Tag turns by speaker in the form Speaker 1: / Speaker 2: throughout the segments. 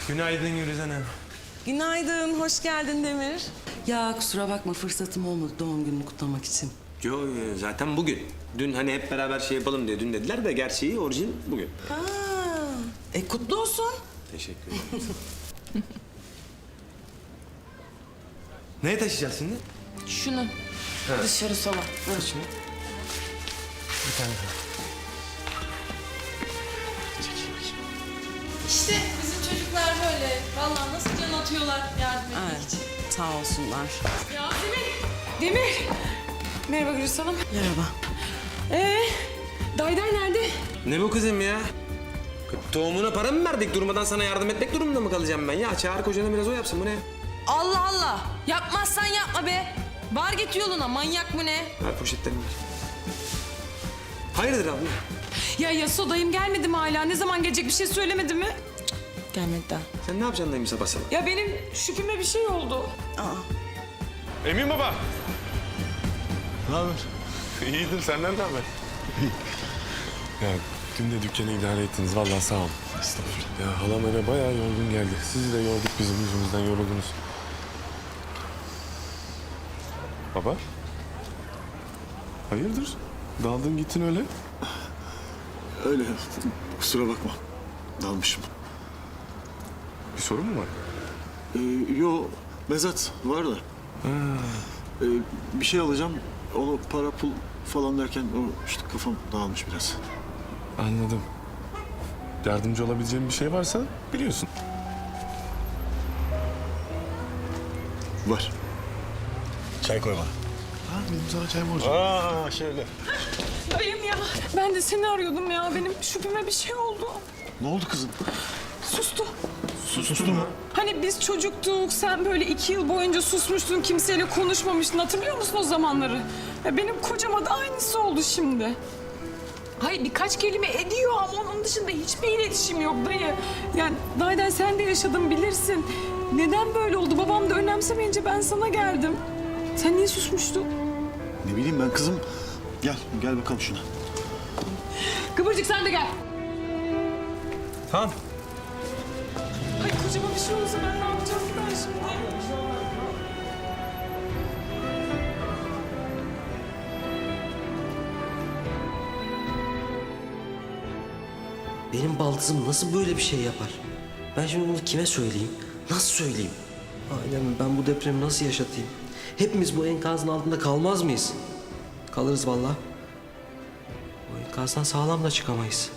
Speaker 1: Günaydın Yürüz Hanım.
Speaker 2: Günaydın, hoş geldin Demir. Ya kusura bakma fırsatım olmadı doğum gününü kutlamak için.
Speaker 1: Yo, zaten bugün. Dün hani hep beraber şey yapalım diye dün dediler de gerçeği orijin bugün.
Speaker 2: Ha, kutlu olsun.
Speaker 1: Teşekkür ederim. Neye taşıyacağız şimdi?
Speaker 3: Şunu. Dışarı sola.
Speaker 1: Şunu. Bir tane daha.
Speaker 3: İşte bizim çocuklar böyle. Vallahi nasıl can atıyorlar yardım etmek
Speaker 2: Evet,
Speaker 3: için.
Speaker 2: sağ olsunlar.
Speaker 3: Ya Demir. Merhaba Gülüş Hanım.
Speaker 2: Merhaba.
Speaker 3: Dayday nerede?
Speaker 1: Ne bu kızım ya? Tohumuna para mı verdik? Durmadan sana yardım etmek durumunda mı kalacağım ben? Ya çağır kocanı biraz o yapsın, bu ne?
Speaker 3: Allah Allah. Yapmazsan yapma be. Var git yoluna, manyak mı ne?
Speaker 1: Ver poşetlerini ver. Hayırdır abla?
Speaker 3: Ya Yaso dayım gelmedi mi hala? Ne zaman gelecek, bir şey söylemedi mi? Cık, gelmedi daha.
Speaker 1: Sen ne yapacaksın dayım sabah sabah?
Speaker 3: Ya benim şüpheme bir şey oldu.
Speaker 4: Emin baba.
Speaker 5: Ne haber?
Speaker 4: İyidir, senden ne haber? Ya dün de dükkanı idare ettiniz. Vallahi sağ olun. Estağfurullah. Ya halam eve bayağı yorgun geldi. Sizi de yorduk, bizim yüzümüzden yoruldunuz. Baba? Hayırdır? Daldın gittin öyle.
Speaker 5: Öyle. Kusura bakma. Dalmışım.
Speaker 4: Bir sorun mu var?
Speaker 5: Yo, mezat var da. Bir şey alacağım. Onu para pul falan derken o işte kafam dağılmış biraz.
Speaker 4: Anladım. Yardımcı olabileceğim bir şey varsa biliyorsun.
Speaker 5: Var. Çay koy bana.
Speaker 4: Ha, benim sana çay borcum.
Speaker 5: Aa şöyle.
Speaker 3: Dayım ya. Ben de seni arıyordum ya. Benim şüpheme bir şey oldu.
Speaker 5: Ne oldu kızım?
Speaker 3: Sustu.
Speaker 5: Sustu mu?
Speaker 3: Hani biz çocuktuk, sen böyle 2 yıl boyunca susmuştun, kimseyle konuşmamıştın. Hatırlıyor musun o zamanları? Ya benim kocama da aynısı oldu şimdi. Hayır birkaç kelime ediyor ama onun dışında hiçbir iletişim yok dayı. Yani Dayden sen de yaşadın bilirsin. Neden böyle oldu? Babam da önemsemeyince ben sana geldim. Sen niye susmuştun?
Speaker 5: Ne bileyim ben kızım. Gel bakalım şuna.
Speaker 3: Kıvırcık sen de gel.
Speaker 1: Tamam.
Speaker 3: Ay kocama bir şey olsa ben ne yapacağım ki ben şimdi?
Speaker 6: Benim baldızım nasıl böyle bir şey yapar? Ben şimdi bunu kime söyleyeyim? Nasıl söyleyeyim? Ailem, ben bu depremi nasıl yaşatayım? Hepimiz bu enkazın altında kalmaz mıyız? Kalırız vallahi. Bu enkazdan sağlam da çıkamayız.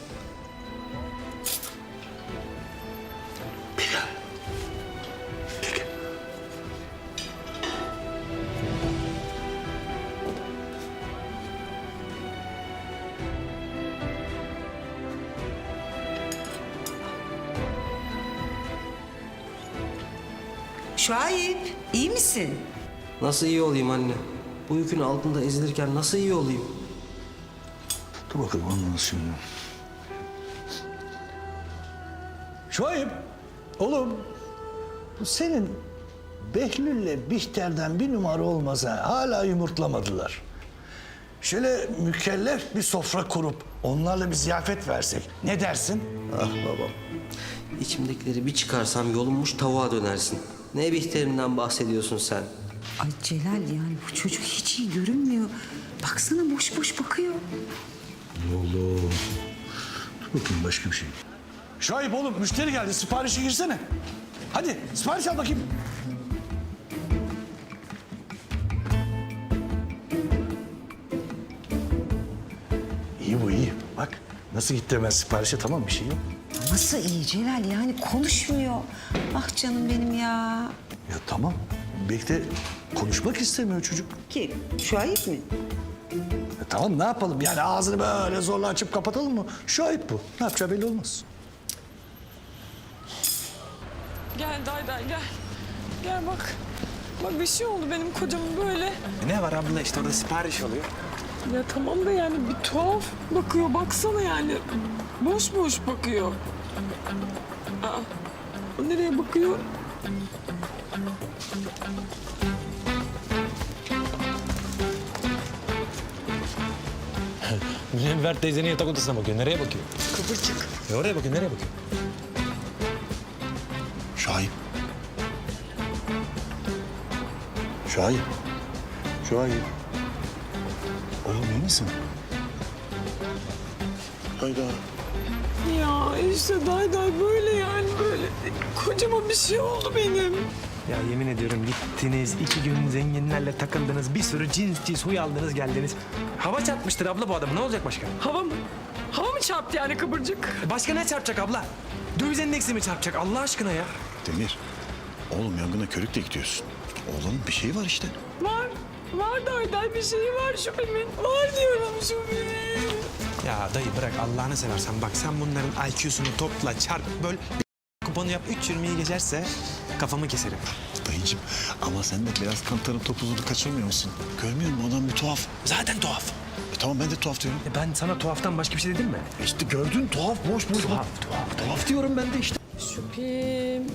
Speaker 7: Şahip, iyi misin?
Speaker 6: Nasıl iyi olayım anne? Bu yükün altında ezilirken nasıl iyi olayım?
Speaker 5: Dur bakalım anlarız şimdi.
Speaker 8: Şuayb, oğlum bu senin Behlül'le Bihter'den bir numara olmasa hala yumurtlamadılar. Şöyle mükellef bir sofra kurup onlarla bir ziyafet versek ne dersin?
Speaker 6: Ah babam. İçimdekileri bir çıkarsam yolunmuş tavuğa dönersin. Ne Bihter'inden bahsediyorsun sen?
Speaker 7: Ay Celal yani bu çocuk hiç iyi görünmüyor. Baksana boş boş bakıyor.
Speaker 5: Oğlum. Dur bakayım başka bir şey.
Speaker 8: Şuayb oğlum müşteri geldi siparişe girsene. Hadi sipariş al bakayım. İyi bu iyi. Bak nasıl gitti hemen siparişe tamam bir şey yok.
Speaker 7: Nasıl iyi Celal yani konuşmuyor. Ah canım benim ya.
Speaker 8: Ya tamam. Belki de konuşmak istemiyor çocuk.
Speaker 7: Kim? Şahip mi?
Speaker 8: Tamam ne yapalım yani ağzını böyle zorla açıp kapatalım mı? Şuayb bu. Ne yapacağı belli olmaz.
Speaker 3: Gel Dayday gel. Gel bak. Bak bir şey oldu benim kocama böyle.
Speaker 1: Ne var abla, işte orada sipariş oluyor.
Speaker 3: Ya tamam da yani bir tuhaf bakıyor. Baksana yani. Boş boş bakıyor. Aa, o nereye bakıyor?
Speaker 9: Münevver teyzenin yatak odasına bakıyor. Nereye bakıyor? Kıvırcık. Oraya bakıyor, nereye bakıyor?
Speaker 5: Şahip. Şahip. Şahip. Oğlum iyi misin? Hayda.
Speaker 3: Ya işte day böyle yani böyle. Kocama bir şey oldu benim.
Speaker 9: Ya yemin ediyorum gittiniz, 2 gün zenginlerle takıldınız, bir sürü cins huy aldınız geldiniz. Hava çarpmıştır abla bu adamı, ne olacak başka?
Speaker 3: Hava mı? Hava mı çarptı yani kıvırcık?
Speaker 9: Başka ne çarpacak abla? Döviz endeksi mi çarpacak Allah aşkına ya?
Speaker 5: Demir. Oğlum yangına körükle gidiyorsun. Oğlum bir şey var işte.
Speaker 3: Var. Var day bir şey var şüphemin. Var diyorum şüphemin.
Speaker 9: Ya dayı bırak Allah'ını seversen bak sen bunların IQ'sunu topla, çarp, böl, kuponu yap 3.20'yi geçerse kafamı keserim.
Speaker 5: Dayıcım ama sen de biraz kantarın topuzunu kaçırmıyor musun? Görmüyor musun adam bir tuhaf.
Speaker 9: Zaten tuhaf.
Speaker 5: Tamam ben de tuhaf diyorum.
Speaker 9: Ben sana tuhaftan başka bir şey dedim mi?
Speaker 5: İşte gördün tuhaf boş. Tuhaf diyorum ben de işte.
Speaker 3: Şüphem.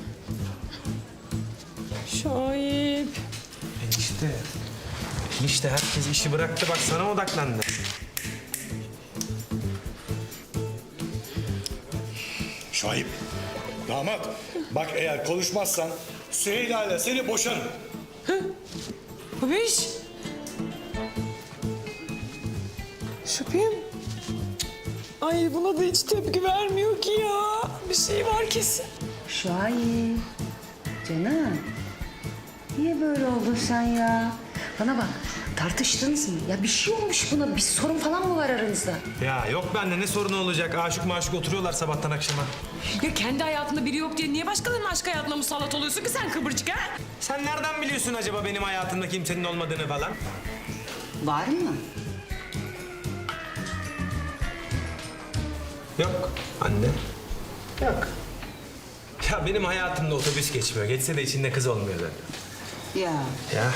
Speaker 3: Şahip.
Speaker 9: Enişte herkes işi bıraktı bak sana odaklandı.
Speaker 8: Şahip. Damat. Bak eğer konuşmazsan Süheyla ile seni boşarım.
Speaker 3: Babiş. Şüphem. Ay buna da hiç tepki vermiyor ki ya. Bir şey var kesin.
Speaker 7: Şahip. Canım. Niye böyle oldun sen ya? Bana bak, tartıştınız mı? Ya bir şey olmuş buna, bir sorun falan mı var aranızda?
Speaker 9: Ya yok bende ne sorunu olacak? Aşık maşık oturuyorlar sabahtan akşama.
Speaker 3: Ya kendi hayatında biri yok diye niye başkalarının aşk hayatına musallat oluyorsun ki sen kıvırcık ha?
Speaker 9: Sen nereden biliyorsun acaba benim hayatımda kimsenin olmadığını falan?
Speaker 7: Var mı?
Speaker 9: Yok anne. Yok. Ya benim hayatımda otobüs geçmiyor. Geçse de içinde kız olmuyor zaten.
Speaker 7: Ya.
Speaker 9: Ya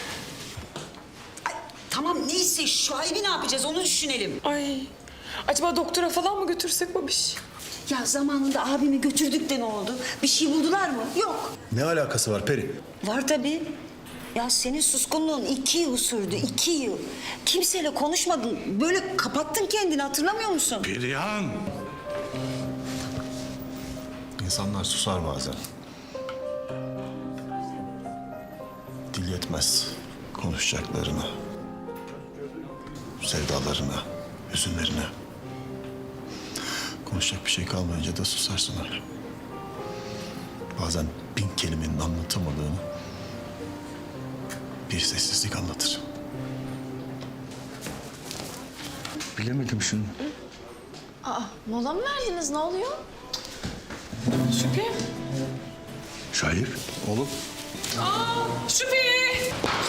Speaker 7: Tamam neyse, Şuayb'i ne yapacağız onu düşünelim.
Speaker 3: Ay. Acaba doktora falan mı götürsek babiş?
Speaker 7: Ya zamanında abimi götürdük de ne oldu? Bir şey buldular mı? Yok.
Speaker 5: Ne alakası var Peri?
Speaker 7: Var tabii. Ya senin suskunluğun 2 yıl sürdü, 2 yıl. Kimseyle konuşmadın. Böyle kapattın kendini, hatırlamıyor musun?
Speaker 5: Perihan. İnsanlar susar bazen. Dil yetmez konuşacaklarına, sevdalarına, hüzünlerine. Konuşacak bir şey kalmayınca da susarsın öyle. Bazen 1000 kelimenin anlatamadığını bir sessizlik anlatır.
Speaker 8: Bilemedim şunu.
Speaker 10: Mola mı verdiniz? Ne oluyor?
Speaker 3: Şüphem.
Speaker 5: Şahip, oğlum.
Speaker 3: Şüphe.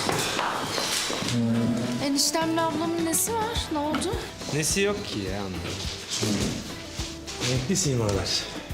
Speaker 10: Eniştemle ablamın nesi var? Ne oldu?
Speaker 9: nesi yok ki ya anladım. Renkli simalar.